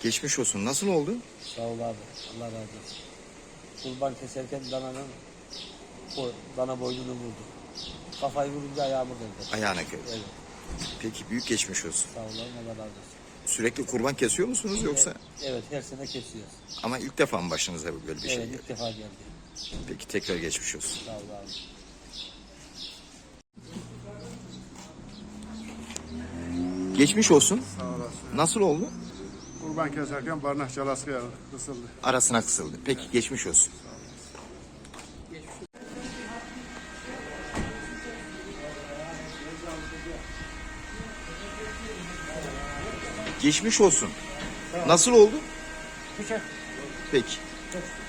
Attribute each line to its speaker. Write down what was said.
Speaker 1: Geçmiş olsun. Nasıl oldu?
Speaker 2: Sağ ol abi. Allah razı olsun. Kurban keserken dana boynunu vurdu. Kafayı vurunca ayağımı kırdı.
Speaker 1: Ayağına kırdı.
Speaker 2: Evet.
Speaker 1: Peki büyük geçmiş olsun.
Speaker 2: Sağ ol abi. Allah razı olsun.
Speaker 1: Sürekli kurban kesiyor musunuz yoksa?
Speaker 2: Evet, her sene kesiyoruz.
Speaker 1: Ama ilk defa mı başınıza böyle bir şey
Speaker 2: Evet,
Speaker 1: geldi?
Speaker 2: ilk defa geldi.
Speaker 1: Peki tekrar geçmiş olsun.
Speaker 2: Sağ ol abi.
Speaker 1: Geçmiş olsun.
Speaker 3: Sağ olasın.
Speaker 1: Nasıl oldu?
Speaker 3: Kurban keserken barnak çalası kısıldı.
Speaker 1: Arasına kısıldı. Peki geçmiş olsun. Geçmiş olsun. Nasıl oldu?
Speaker 2: Bıçak.
Speaker 1: Peki.